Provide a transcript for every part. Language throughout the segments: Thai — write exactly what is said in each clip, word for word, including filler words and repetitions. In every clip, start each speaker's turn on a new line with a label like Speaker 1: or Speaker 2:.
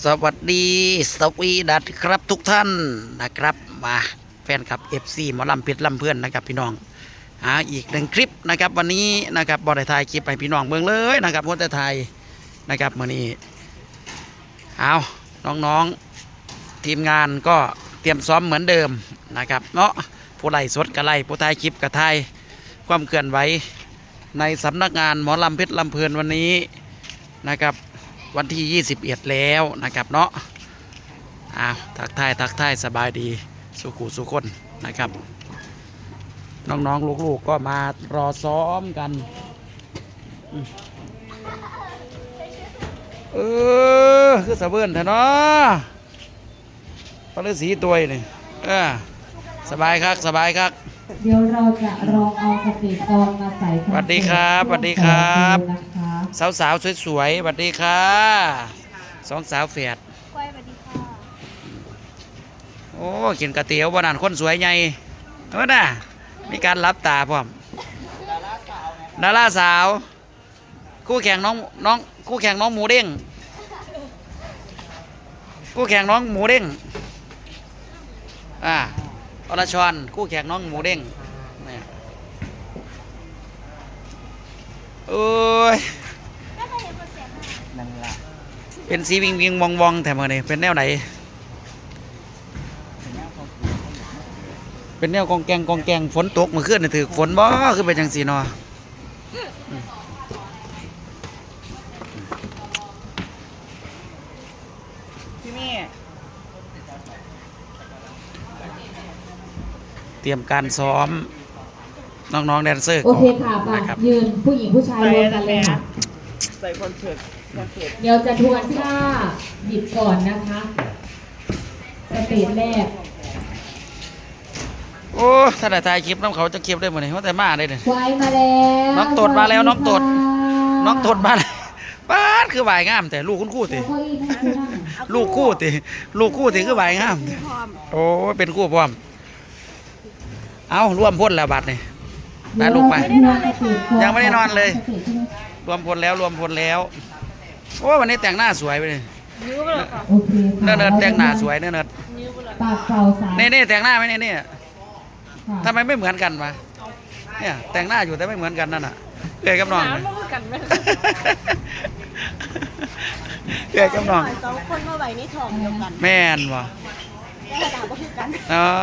Speaker 1: สวัสดีสวีดัสครับทุกท่านนะครับมาแฟนคลับ เอฟ ซี หมอลำเพชรลำเพื่อนนะครับพี่น้องหาอีกหนึ่งคลิปนะครับวันนี้นะครับบอได้ถ่ายคลิปไปพี่น้องเมืองเลยนะครับคนแต่ไทยนะครับมื่อนี้เอาน้องๆทีมงานก็เตรียมซ้อมเหมือนเดิมนะครับเนาะผู้ไล่สดกระไล่ผู้ถ่ายคลิปกระถ่ายความเคลื่อนไหวในสำนักงานหมอลำเพชรลำเพลินวันนี้นะครับวันที่ยี่สิบเอ็ดแล้วนะครับเนาะอ้าวทักทายทักทายสบายดีสุขุสุคนนะครับน้องๆลูกๆก็มารอซ้อมกันเออคือสะเบิ้นเถอะเนาะพระฤาษีตัวนี่เออสบายครับสบายครับ
Speaker 2: เดี๋ยวเราจะลองเอาสปีดกองมาใส่
Speaker 1: สวัสดีครับสวัสดีครับสาวสาวสวยๆสวัสดีค่ะสองสาวแฝดสวัสดีค่ะโอ้กินก๋วยเตี๋ยววันนั้นคนสวยใหญ่เออน่ะมีการรับตาพร้อมดาราสาวคู่แข่งน้องน้องคู่แข่งน้องหมูเด้งคู่แข่งน้องหมูเด้งอ่าอรชรคู่แข่งน้องหมูเด้งโอ้ยเป็นสีวิงวิงวองวองแต่เมื่อนี้เป็นแนวไหนเป็นแนวกองแกงกองแกงฝนตกเมื่อคืนนี่ถือฝนบ่คือเป็นจังสีนอที่นี่เตรียมการซ้อมน้องๆแดนเซอร์
Speaker 2: โอเคค่ะป่ะยืนผู้หญิงผู้ชายรวมกันเลยค่ะ
Speaker 3: ใส่คอนเสิร์ตคอนเสิร์ต
Speaker 2: เดี๋ยวจะทวนท่าหยิบก่อนนะคะสเตจแรก
Speaker 1: โอ้ถ้าได้ถ่ายคลิปน้องเขาจะคลิปได้หมดเลยเพราะแต่มาได้เนี่ย
Speaker 2: ไวมาแล้ว
Speaker 1: น้องตดมาแล้วน้องตดน้องตดมาแล้วป้าดคือใบงามแต่ลูกคุณคู่ติลูกคู่ติลูกคู่ติคือใบงามโอ้เป็นคู่พร้อมเอาร่วมพ้นแล้วบัดนี่ไปลูกไปยังไม่ได้นอนเลยรวมพลแล้วรวมพลแล้วโอ้วันนี้แต่งหน้าสวยไปเลยเนิร์ดแต่งหน้าสวยเนิร์ด
Speaker 2: ปากเป่าสาย
Speaker 1: นี่นี่แต่งหน้าไหมนี่นี่ทำไมไม่เหมือนกันวะเนี่ยแต่งหน้าอยู่แต่ไม่เหมือนกันนั่นน่ะเกยกับน้องเลยเกยกับน้อง
Speaker 3: สองคนมาไว้ในท้องเดียวกัน
Speaker 1: แม่นวะ
Speaker 3: แต่ดาวก็คือกัน
Speaker 1: อ๋อ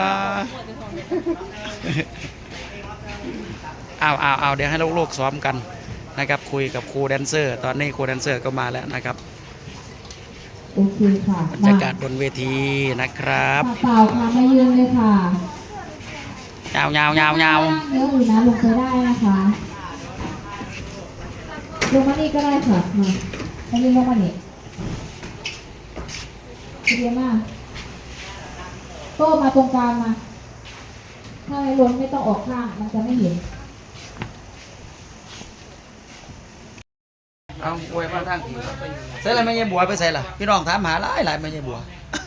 Speaker 1: เอาเอาเอาเดี๋ยวให้ลูกๆซ้อมกันนะครับคุยกับครูแดนเซอร์ตอนนี้ครูแดนเซอร์ก็มาแล้วนะครับ
Speaker 2: โอเคค่ะ
Speaker 1: บรรยากาศบนเวทีนะครับ
Speaker 2: เปล่าค่ะมายืนเลยค่ะ
Speaker 1: ยาวยาวยาวยาว
Speaker 2: เยอะอยู่นะลงไปได้นะคะลงมานี่ก็ได้ค่ะมาไปยืนลงมานี่เรียนมากโต้มาตรงกลางมาถ้าไม่ล้นไม่ต้องออกข้างมันจะไม่เห็น
Speaker 1: เอาอวยมาทางผีใส่อะไรไม่ใช่บัวไปใส่ล่ะพี่น้องถามหาหลายหลายไม่ใช่บัว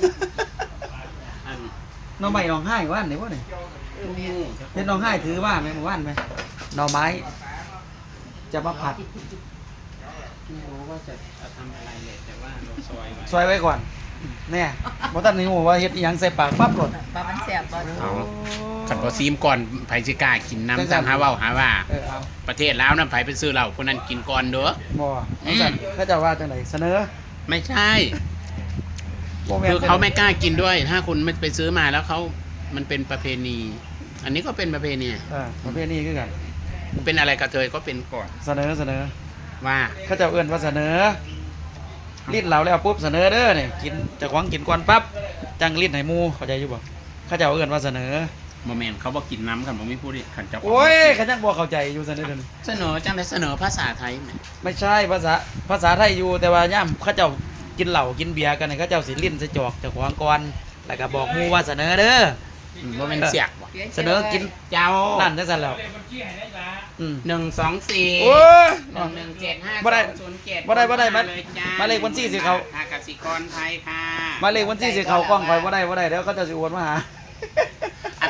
Speaker 1: น้องใหม่น้องให้ว่านไหนวะเนี่ยเป็นน้องให้ถือว่าไหมมาว่านไหมหน่อไม้จะมาผัด
Speaker 4: ไม่รู้ว่าจะทำอะไรเลยแต่ว่าเราซอยไว้
Speaker 1: ซอยไว้ก่อนเนี่ยบอตันนี่ว่าเฮ็ดยังใส่ปากปั๊บหลด
Speaker 3: ปลามันแสบบ่
Speaker 4: เอาขันพอซีมก่อนไผ่สิกล้ากินน้ำสั่งหาว่าหาว่าประเทศลาวน้ำไผ่เป็นซื้อเราคนนั้นกินก่อนเด้อ
Speaker 1: บ่เขาจะว่าจังไหนเสนอ
Speaker 4: ไม่ใช่คือเขาไม่กล้ากินด้วยถ้าคุณไม่ไปซื้อมาแล้วเขามันเป็นประเพณี อันนี้ก็เป็นประเพณี
Speaker 1: อ่าประเพณีคือกัน
Speaker 4: เป็นอะไรกระเทยก็เป็นก่อน
Speaker 1: เสนอเสนอ
Speaker 4: ว่า
Speaker 1: เขาจะเอื้อนว่าเสนอลิ้นเราแล้วปุ๊บเสนอเด้อเนี่ยกินจะคว้างกินก่อนปั๊บจังลิ้นไหมูเข้าใจอยู่บ่เขาจะเอื้อนว่าเสนอ
Speaker 4: โมเมนต์เขาบอกกินน้ำกันผมไม่พูดดิขันจับ
Speaker 1: โอ้ยขันจังบอกเข้าใจอยู่เสนอ
Speaker 4: เสนอจังได้เสนอภาษาไทยไหม
Speaker 1: ไม่ใช่ภาษาภาษาไทยอยู่แต่ว่าย่ำเขาเจ้ากินเหล้ากินเบียร์กันเนี่ยเขาเจ้าสิลิ้นใส่จอกจะคว้างก่อนแล้วก็บอกมูว่าเสนอเด้อ
Speaker 4: โมเมนต์เสียก
Speaker 1: เสนอกิน
Speaker 4: เจ้า
Speaker 1: นั่นจะสั่นแล้ว
Speaker 4: หนึ่งสองสี่หนึ่งหนึ่งเจ็ดห้าศูนย์เจ็ด
Speaker 1: บ่ได้บ่ได้มามาเลขวันที่สิเขา
Speaker 4: กสิกรไทยค่ะ
Speaker 1: มาเลขวันที่สิเขากล้องคอยบ่ได้บ่ได้แล้วก็จะสิโอนมาหา
Speaker 4: อั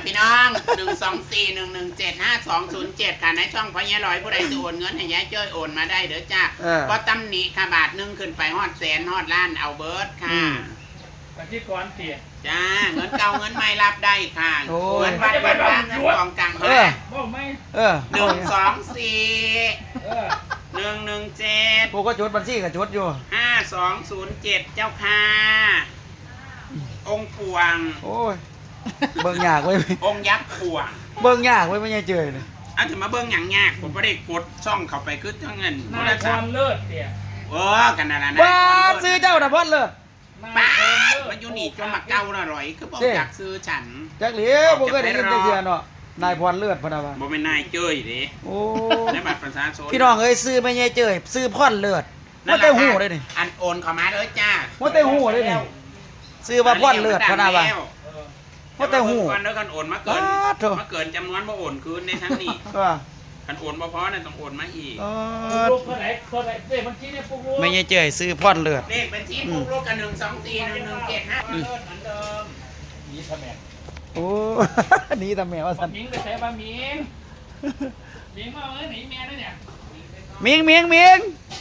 Speaker 4: พี่น้องหนึ่งสองสี่หนึ่งหนึ่งเจ็ดห้าสองศูนย์เจ็ดค่ะในช่องพญาลอยผู้ใดจะโอนเงินให้ยายเจ้ยโอนมาได้เด้อจ้าก็ตำหนิค่ะบาทหนึ่งขึ้นไปฮอดแสนฮอดล้านเอาเบิร์ดค่ะ
Speaker 5: ปฏิกรเตี๋ย
Speaker 4: จ้าเงินเก่าเงินใหม่รับได้ค่ะเงินวัดเงินว่างเงินกองกลาง
Speaker 1: เออ
Speaker 5: บอกไหม
Speaker 1: เออ
Speaker 4: หนึ่งสองสี่
Speaker 5: เออ
Speaker 4: หนึ่งหนึ่งเจ็ด
Speaker 1: กูก็จดบัญชีก็จดอยู่
Speaker 4: ห้าสองศูนย์เจ็ดเจ้าค่ะองค์ปวง
Speaker 1: โอ้ยเบิ่งยากเว้ย
Speaker 4: องค์ยักษ์ปวง
Speaker 1: เบิ่งยากเว้ยไม่ใช่เจยเลย
Speaker 4: อันถึงมาเบิ้งอย่างยากผมไม่ได้กดช่องเข้าไปคือทั้งเงิน
Speaker 5: นายพรเลิศเตี๋ย
Speaker 4: เออกันนั่นแหละนะ
Speaker 1: บ้าซื้อเจ้าน่ะพอดเลิศ
Speaker 4: ป้า
Speaker 5: พรเลิศ
Speaker 4: มันอยู่นี่จนมาเก่าละร่อยคือบอกอยากซื้อฉัน
Speaker 1: จักเหลียวบ่เคยได้ยินจักเทื่อเนาะนายพรเลิศพะนะว่า
Speaker 4: บ่เป็นนายเจ้ยดิ
Speaker 1: โอ้
Speaker 4: ในบัตรประชาชน
Speaker 1: พี่น้องเอ้ยซื้อไม่ใช่เจยซื้อพรเลิศว่าแต่หูเลยนี่
Speaker 4: อันโอนเข้ามาเลยจ้า
Speaker 1: ว่าแต่หูเลยนี่ซื้อว่าพรเลิศพะนะว่าว่าแต่หู
Speaker 4: ก่อนแล้วกันโอนมาเกิน
Speaker 1: อ้าวโถ่
Speaker 4: มาเกินจำนวนบ่โอนคืนในทั้งนี้
Speaker 1: ว่า
Speaker 4: กันโอนบ่พอนั่นต้องโอนมาอีก
Speaker 1: เอ
Speaker 5: ปุ๊ก
Speaker 1: อ
Speaker 5: ลูกเท่าไหร่เท่าไหร่เด็กบัญชีเนี่ยปุ๊กลูก
Speaker 1: ไม่ใช่เจยซื้อพรเลิศ
Speaker 4: เลขบัญชีปุ๊กลูกกันหนึ่งสองสี่หนึ่งหนึ่งเจ็ดห้าเลิศเหมือนเดิม
Speaker 5: นี่ทำไม
Speaker 1: โอ้ หนี่ทำแม่ว่าซั่น
Speaker 5: มิงไปใส่บะมิงมิงมาเอ้ยหนีเมียด้วยเนี่ย
Speaker 1: มิงมิงมิง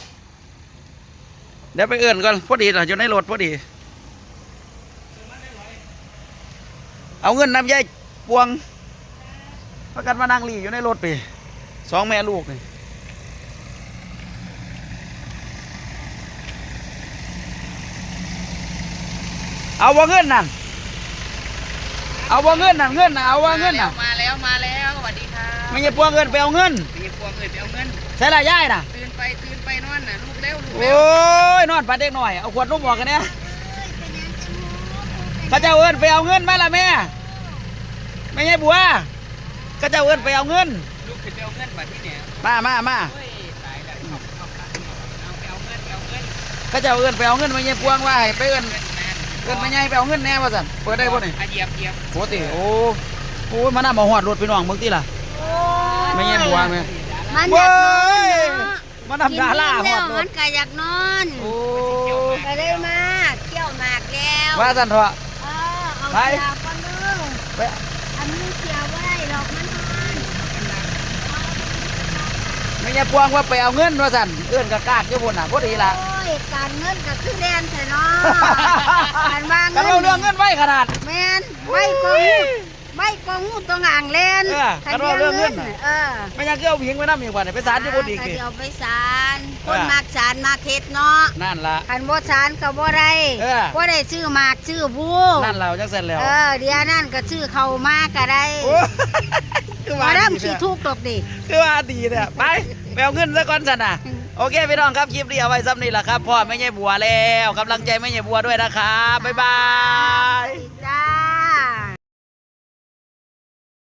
Speaker 1: เดี๋ยวไปเอื่นก่อนพอดีเราอยู่ในรถพอดี เอาเงินนำยายปวงประกันมานั่งหลีอยู่ในรถไปสองแม่ลูกนี่เอาว่าเงินนั่นเอาว่าเงินนั่นเงินน่ะเอาว่าเงินน่ะ
Speaker 3: มาแล้วมาแล้วสวัสดีค่ะ
Speaker 1: ไม่ใช่ปวงเงินไปเอาเงิน
Speaker 3: มีพวงเงินไปเอาเงิน
Speaker 1: ใช่ละยายน่ะ
Speaker 3: ตื่นไปตื่นไปนอนน่ะลูกเร็วลูก
Speaker 1: โอ
Speaker 3: เร็ว้
Speaker 1: ยนอนปัดเด็กหน่อยเอาขวดนมบอกกันเนี่ยข้าเจ้าเอินไปเอาเงินมาละแม่ไม่ใช่บัวข้าเจ้าเอินไปเอาเงิน
Speaker 3: ลูกไปเอาเงินบัดที่เนี่ย
Speaker 1: มามามา
Speaker 3: เฮ้ยตายแล้วเอาเอาเอาไปเอาเงินไปเอาเงิน
Speaker 1: ข้าเจ้าเอินไปเอาเงินไม่ใช่ปวงว่าให้ไปเอิน
Speaker 3: เงินแมน
Speaker 1: เอินไม่ใช่ไปเอาเงินแน่ว่าสันเปิดได้ป่ะนี่
Speaker 3: อ่ะเหยียบเหยียบ
Speaker 1: โหติโอ้โอ้ยมาหน้ามาหอดรถไปน้องมึงที่ล่ะไม่ใช่บัวไหม
Speaker 6: มัน
Speaker 1: เว้
Speaker 6: อยากนอน
Speaker 1: ย
Speaker 6: เนาะ
Speaker 1: มาทำดาราห
Speaker 6: กิ
Speaker 1: อน ด
Speaker 6: แล้ว
Speaker 1: ร
Speaker 6: มั
Speaker 1: ถ
Speaker 6: นก็อยากนอน
Speaker 1: โอ้
Speaker 6: ก็ได้มาเที่ยวหมากแล้ว
Speaker 1: ว่าสันเถอะ
Speaker 6: เออเอา
Speaker 1: ไป
Speaker 6: เสียก่อนเด้อ
Speaker 1: ไป
Speaker 6: อันนี้เสียบ่ได้ดอกมันนอน
Speaker 1: ไม่ใช่ปวงว่าไปเอาเงินว่าสันเอินกะกากอยู่บนน่ะพอดีละ
Speaker 6: โอ้ยการเงินก็คือแดนแท้เนาะการวาง
Speaker 1: กันเอาเรื่องเงินไว้ขนาด
Speaker 6: แม่นไว้กองหูไว้กองหูตรงอ่างแลน
Speaker 1: เออการว่าเรื่องเงินน่ะ
Speaker 6: เออ
Speaker 1: ไม่อยากเกี่ยวหญิงไปน้ำอีกว่าเนี่ยไปศาลที่บนอีก
Speaker 6: ก็
Speaker 1: นี่
Speaker 6: เดี๋ยวไปศาลคน
Speaker 1: เออ
Speaker 6: มากศาลมาเฮ็ดเนาะ
Speaker 1: นั่นละ
Speaker 6: คันบ่ศาลก็บ่ได้
Speaker 1: เออ
Speaker 6: บ่ได้ซื้อหมากซื้อบู
Speaker 1: นั่นเราจังเสร็จแล้ว
Speaker 6: เออเดี๋ยวนั่นก็ซื้อเข้ามาก็ได้
Speaker 1: โอ้คือ
Speaker 6: มา
Speaker 1: ว่า
Speaker 6: เริ่ม
Speaker 1: ดี
Speaker 6: สิ
Speaker 1: เนี่ย
Speaker 6: ทุกข์ดอกดิ
Speaker 1: คือว่าดีเนี่ยไปไปเอาเงินซะก่อนสันนะโอเคพี่น้องครับคลิปนี้เอาไว้ซ้ำนี่แหละครับพ่อไม่ใช่บัวแล้วกำลังใจไม่ใช่บัวด้วยนะครับบ๊ายบาย